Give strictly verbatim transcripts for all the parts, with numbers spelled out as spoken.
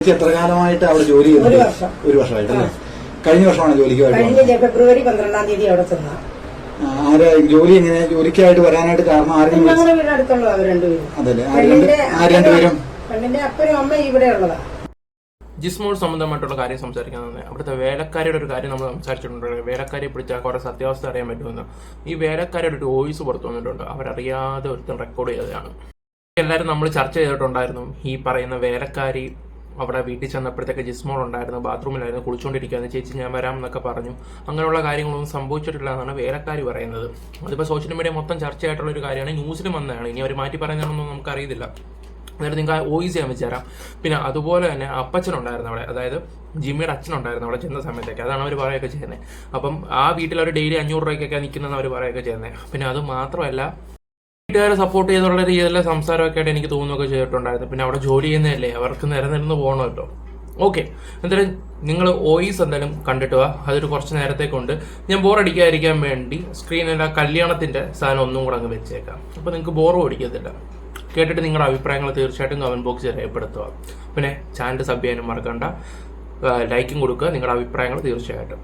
എത്ര കാലമായിട്ട് അവിടെ ജോലി ചെയ്യുന്നത്? ഒരു വർഷം. ഒരു വർഷമായിട്ടല്ലേ? കഴിഞ്ഞ വർഷമാണ് ജോലിക്ക് കഴിഞ്ഞ ഫെബ്രുവരി പന്ത്രണ്ടാം തീയതി അവിടെ ചെന്ന. ആരാ ജോലി എങ്ങനെ ജോലിക്കായിട്ട് വരാനായിട്ട് കാരണം? ആരെങ്കിലും ഞങ്ങളുടെ വീടിനടുത്തുള്ള അവർ രണ്ടുപേരും. അതല്ലേ? ആര് രണ്ടുപേരും? പെണ്ണിന്റെ അപ്പനും അമ്മ ഇവിടെ ഉള്ളതാ. ജിസ്മോൾ സംബന്ധമായിട്ടുള്ള കാര്യം സംസാരിക്കാൻ തന്നെ അവിടുത്തെ വേലക്കാരിയുടെ ഒരു കാര്യം നമ്മൾ സംസാരിച്ചിട്ടുണ്ട്. വേലക്കാരിയെ പിടിച്ചാൽ കുറെ സത്യാവസ്ഥ അറിയാൻ പറ്റുമെന്ന്. ഈ വേലക്കാരിയുടെ ഒരു വോയിസ് പുറത്തു വന്നിട്ടുണ്ട്. അവരറിയാതെ ഒരുത്തൻ റെക്കോർഡ് ചെയ്തതാണ്. എല്ലാവരും നമ്മൾ ചർച്ച ചെയ്തിട്ടുണ്ടായിരുന്നു. ഈ പറയുന്ന വേലക്കാരി അവിടെ വീട്ടിൽ ചെന്നപ്പോഴത്തേക്ക് ജിസ്മോൾ ഉണ്ടായിരുന്നു, ബാത്റൂമിലായിരുന്നു, കുളിച്ചുകൊണ്ടിരിക്കുകയാണ്. ചേച്ചി ഞാൻ വരാം എന്നൊക്കെ പറഞ്ഞു. അങ്ങനെയുള്ള കാര്യങ്ങളൊന്നും സംഭവിച്ചിട്ടില്ല എന്നാണ് വേലക്കാരി പറയുന്നത്. അതിപ്പോൾ സോഷ്യൽ മീഡിയ മൊത്തം ചർച്ചയായിട്ടുള്ള ഒരു കാര്യമാണ്. ന്യൂസിലും വന്നതാണ്. ഇനി അവർ മാറ്റി പറയുന്നതൊന്നും നമുക്കറിയില്ല. അതായത് നിങ്ങൾക്ക് വോയിസ് ചെയ്യാൻ വെച്ച് തരാം. പിന്നെ അതുപോലെ തന്നെ അപ്പച്ചനുണ്ടായിരുന്നു അവിടെ, അതായത് ജിമ്മിയുടെ അച്ഛനുണ്ടായിരുന്നു അവിടെ ചെന്ന സമയത്തേക്ക്. അതാണ് അവർ പറയുകയൊക്കെ ചെയ്യുന്നത്. അപ്പം ആ വീട്ടിൽ അവർ ഡെയിലി അഞ്ഞൂറ് രൂപയ്ക്കൊക്കെ നിൽക്കുന്നതെന്ന് അവർ പറയുകയൊക്കെ ചെയ്യുന്നത്. പിന്നെ അത് മാത്രമല്ല വീട്ടുകാരെ സപ്പോർട്ട് ചെയ്തുള്ള രീതിയിലുള്ള സംസാരമൊക്കെ ആയിട്ട് എനിക്ക് തോന്നുകയൊക്കെ ചെയ്തിട്ടുണ്ടായിരുന്നു. പിന്നെ അവിടെ ജോലി ചെയ്യുന്നതല്ലേ, അവർക്ക് നിരനിരുന്ന് പോകണമല്ലോ. ഓക്കെ, എന്തായാലും നിങ്ങൾ വോയിസ് എന്തായാലും കണ്ടിട്ട് വാ. അതൊരു കുറച്ച് നേരത്തേക്കുണ്ട്. ഞാൻ ബോറടിക്കാതിരിക്കാൻ വേണ്ടി സ്ക്രീനിൽ ആ കല്യാണത്തിൻ്റെ സാധനം ഒന്നും കൂടെ അങ്ങ് വെച്ചേക്കാം. അപ്പോൾ നിങ്ങൾക്ക് ബോറും അടിക്കത്തില്ല. കേട്ടിട്ട് നിങ്ങളുടെ അഭിപ്രായങ്ങൾ തീർച്ചയായിട്ടും കമൻറ്റ് ബോക്സിൽ രേഖപ്പെടുത്തുക. പിന്നെ ചാനൽ സബ് ചെയ്യാനും മറക്കണ്ട, ലൈക്കും കൊടുക്കുക നിങ്ങളുടെ അഭിപ്രായങ്ങൾ തീർച്ചയായിട്ടും.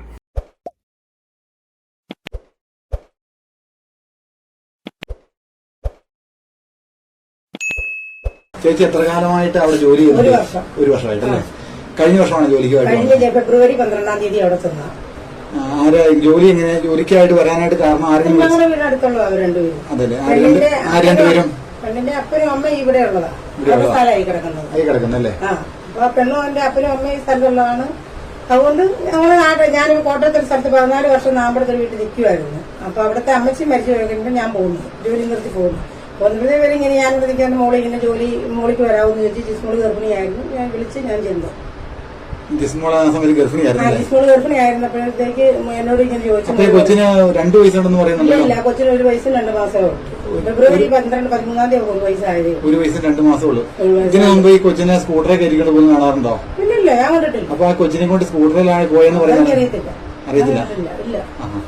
ചേച്ചി എത്ര കാലമായിട്ട് അവിടെ ജോലി ചെയ്യുന്നത്? ഒരു വർഷം. ഒരു വർഷമായിട്ടല്ലേ? കഴിഞ്ഞ വർഷമാണ് ജോലിക്ക് കഴിഞ്ഞ ഫെബ്രുവരി പന്ത്രണ്ടാം തീയതി അവിടെ ചെന്ന. ആരാ ജോലി എങ്ങനെ ജോലിക്കായിട്ട് വരാനായിട്ട് കാരണം? ആരെങ്കിലും ഞങ്ങളുടെ വീടിനടുത്തുള്ള അവർ രണ്ടുപേരും. അതല്ലേ? ആര് രണ്ടുപേരും? പെണ്ണിന്റെ അപ്പനും അമ്മ ഇവിടെ ഉള്ളതാ. സ്ഥലമായി കിടക്കുന്നത്. ആയി കിടക്കുന്നല്ലേ? ആ അപ്പൊ പെണ്ണും എന്റെ അപ്പനും അമ്മയും സ്ഥലത്തുള്ളതാണ്. അതുകൊണ്ട് ഞങ്ങളുടെ നാട്ടിൽ ഞാനൊരു കോട്ടയത്തെ സ്ഥലത്ത് പതിനാല് വർഷം നാമ്പടത്തെ വീട്ടിൽ നിൽക്കുമായിരുന്നു. അപ്പൊ അവിടുത്തെ അമ്മച്ചി മരിച്ചു കഴിയുമ്പോൾ ഞാൻ പോകുന്നു, ജോലി നിർത്തി പോകുന്നു. ഒൻപത് പേര് ഇങ്ങനെ ഞാൻ വിളിക്കാൻ മോളി ഇങ്ങനെ ജോലി മോളിക്ക് വരാമെന്ന് ചോദിച്ചു. ജിസ്മോള് ഗർഭിണിയായിരുന്നു. ഞാൻ വിളിച്ച് ഞാൻ ചെന്നു. ജിസ്മോള് ആ സമയത്ത് ഗർഭിണിയായിരുന്നു. ജിസ്മോള് ഗർഭിണിയായിരുന്നപ്പോഴത്തേക്ക് എന്നോട് ഇങ്ങനെ ചോദിച്ചു. കൊച്ചിന് രണ്ടു വയസ്സുണ്ടെന്ന് പറയുന്നുണ്ടല്ലോ? ഇല്ല, കൊച്ചിന് ഒരു വയസ്സും രണ്ട് മാസമേ ഉള്ളൂ. ഫെബ്രുവരി പന്ത്രണ്ട് പതിമൂന്നാം തീയതി ഒരു വയസ്സായത്. ഒരു വയസ്സും രണ്ട് മാസമേ ഉള്ളൂ. ഇതിനു മുമ്പ് ഈ കൊച്ചിനെ സ്കൂട്ടറെ കയറ്റിക്കൊണ്ട് പോകുന്ന കാണാറുണ്ടോ? ഇല്ലില്ല, ഞാൻ കണ്ടിട്ടില്ല. അപ്പൊ ആ കൊച്ചിനെ കൊണ്ട് സ്കൂട്ടറിലാണ് പോയെന്ന് പറയുന്നത്? അറിയത്തില്ല. അറിയത്തില്ല. ഇല്ല.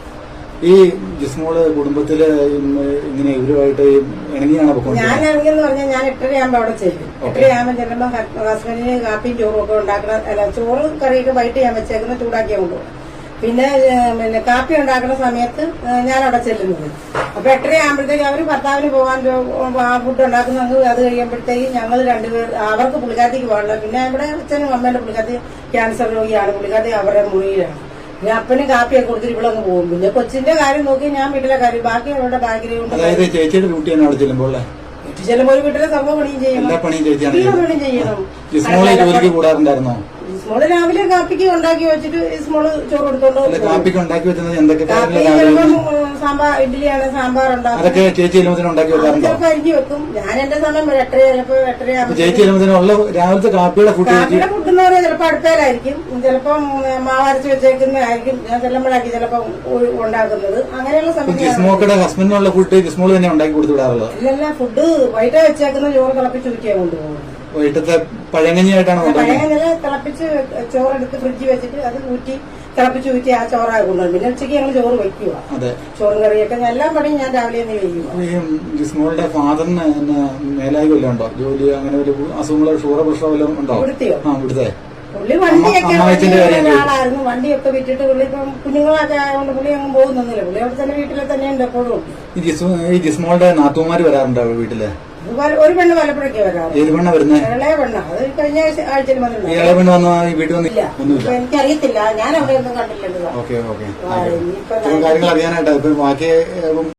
ഈ ജിസ്മോള് കുടുംബത്തില് ഇങ്ങനെ ഇവരുമായിട്ട് ഇണങ്ങിയാണ് പോയിക്കൊണ്ടിരുന്നത്? ഞാൻ ഇറങ്ങിയെന്ന് പറഞ്ഞാൽ ഞാൻ എട്ടരയാകുമ്പോ അവിടെ ചെല്ലും. എട്ടരയാകുമ്പോ ചെല്ലുമ്പോ ഹസ്ബൻഡിന് കാപ്പിയും ചോറും ഒക്കെ ഉണ്ടാക്കുന്ന, അല്ല ചോറ് കറിയൊക്കെ വൈകിട്ട് ഞാൻ വെച്ചേക്കുന്ന ചൂടാക്കിയാ കൊണ്ടുപോകും. പിന്നെ പിന്നെ കാപ്പി ഉണ്ടാക്കുന്ന സമയത്ത് ഞാൻ അവിടെ ചെല്ലുന്നത്. അപ്പൊ എട്ടരയാകുമ്പോഴത്തേക്ക് അവര് ഭർത്താവിന് പോകാൻ ഫുഡ് ഉണ്ടാക്കുന്ന അത് കഴിയുമ്പോഴത്തേക്ക് ഞങ്ങൾ രണ്ടുപേർ, അവർക്ക് പുള്ളിക്കാത്തേക്ക് പോകാനുള്ള, പിന്നെ ഇവിടെ അച്ഛനും അമ്മേന്റെ പുള്ളിക്കാത്തി ക്യാൻസർ രോഗിയാണ്, പുള്ളിക്കാത്തി അവരുടെ മുറിയിലാണ്. പിന്നെ അപ്പന് കാപ്പിയൊക്കെ കൊടുത്തിട്ട് ഇവിടെ അങ്ങ് പോകും. പിന്നെ കൊച്ചിന്റെ കാര്യം നോക്കി ഞാൻ വീട്ടിലെ കാര്യം ബാക്കി അവരുടെ ബാക്ക്ഗ്രൗണ്ട്. അതായത് ചേച്ചിയുടെ ഡ്യൂട്ടി ആണ് അവിടെ ചെല്ലുമ്പോൾ? വീട്ടിൽ ചെല്ലുമ്പോൾ ഒരു വീട്ടിലെ സർവ്വ പണിയും ചെയ്യണം. എല്ലാ പണിയും ചേച്ചിയാണ് ചെയ്യണം. ജിസ്മോളെ ജോലിക്ക് കൂടാറുണ്ടായിരുന്നോ? ഇസ്മോള് രാവിലെ കാപ്പിക്ക് ഉണ്ടാക്കി വെച്ചിട്ട് ഇസ്മോള് ചോറ് എടുത്തോണ്ട്. കാപ്പിക്ക് ഉണ്ടാക്കി വെച്ചത് എന്തൊക്കെ? സാമ്പാർ, ഇഡ്ഡലിയാണ്, സാമ്പാറുണ്ടാക്കും. അതൊക്കെ ചേച്ചി എലുമ്പത്തിന് ഉണ്ടാക്കി വെക്കാറുണ്ടോ? ചിലപ്പോ അരിഞ്ഞു വെക്കും. ഞാൻ എന്റെ സമയം എട്ടര, ചിലപ്പോ എട്ടരയാകുമ്പോൾ ചേച്ചി എലുമ്പത്തിനുള്ള രാവിലത്തെ കാപ്പിയുടെ ഫുഡ് കാപ്പിയുടെ ഫുഡ് എന്ന് പറഞ്ഞാൽ ചിലപ്പോ അടുപ്പേലായിരിക്കും, ചിലപ്പം മാവരച്ച് വെച്ചേക്കുന്നതായിരിക്കും. ഞാൻ ചെല്ലുമ്പോഴായിരിക്കും ചിലപ്പോ ഉണ്ടാക്കുന്നത്. അങ്ങനെയുള്ള സമയത്ത് ജിസ്മോക്കയുടെ ഹസ്ബൻഡിനുള്ള ഫുഡ് ജിസ്മോള് തന്നെ ഉണ്ടാക്കി കൊടുത്തു വിടാറുള്ളത്? ഇല്ലല്ല, ഫുഡ് വൈകിട്ട് വെച്ചേക്കുന്ന ചോറ് തിളപ്പിച്ച് ഊറ്റിയാ കൊണ്ടുപോകുന്നത്. വൈകിട്ടത്തെ പഴങ്കഞ്ഞിയായിട്ടാണ് പഴങ്കഞ്ഞില് തിളപ്പിച്ച് ചോറെടുത്ത് ഫ്രിഡ്ജിൽ വെച്ചിട്ട് അത് ഊറ്റി തിളപ്പിച്ച് ഊറ്റി ആ ചോറായി കൊണ്ടുപോകും. പിന്നെ ഉച്ചയ്ക്ക് ഞങ്ങൾ ചോറ് വയ്ക്കുക. ചോറും കറിയൊക്കെ എല്ലാ പണിയും ഞാൻ രാവിലെ തന്നെ വയ്ക്കുക. ജിസ്മോളുടെ ഫാദറിന് മേലായി വല്ലതും ഉണ്ടോ? ജോലി അങ്ങനെ ഒരു അസുഖങ്ങളോ ഷുഗർ പ്രഷറോ വല്ലതും ഉണ്ടോ? ഇവിടുത്തെയോ? ആ, ഇവിടുത്തെ പുള്ളി വണ്ടിയൊക്കെ ആളായിരുന്നു. വണ്ടിയൊക്കെ വിറ്റിട്ട് പുള്ളി ഇപ്പം കുഞ്ഞുങ്ങളൊക്കെ ആയതുകൊണ്ട് പുള്ളി അങ്ങ് പോകുന്നൊന്നുമില്ല. പുള്ളി അവിടെ തന്നെ വീട്ടിലെ തന്നെയുണ്ട് എപ്പോഴും. ഈ ജിസ്മോളുടെ നാത്തുമാര് വരാറുണ്ടോ വീട്ടില്? ഒരു പെണ്ണ് വല്ലപ്പോഴൊക്കെ വരാറ്. ഏത് പെണ്ണ വരുന്നത്? ഇളയ പെണ്ണ. അത് കഴിഞ്ഞ ആഴ്ചയിൽ വന്നില്ല. ഇളയ പെണ്ണ് വന്ന വീട്ടിൽ വന്നില്ല? എനിക്കറിയത്തില്ല, ഞാൻ അവിടെ ഒന്നും കണ്ടില്ലല്ലോ. ഓക്കെ ഓക്കെ കാര്യങ്ങൾ അറിയാനായിട്ടാ ഇപ്പൊ ബാക്കി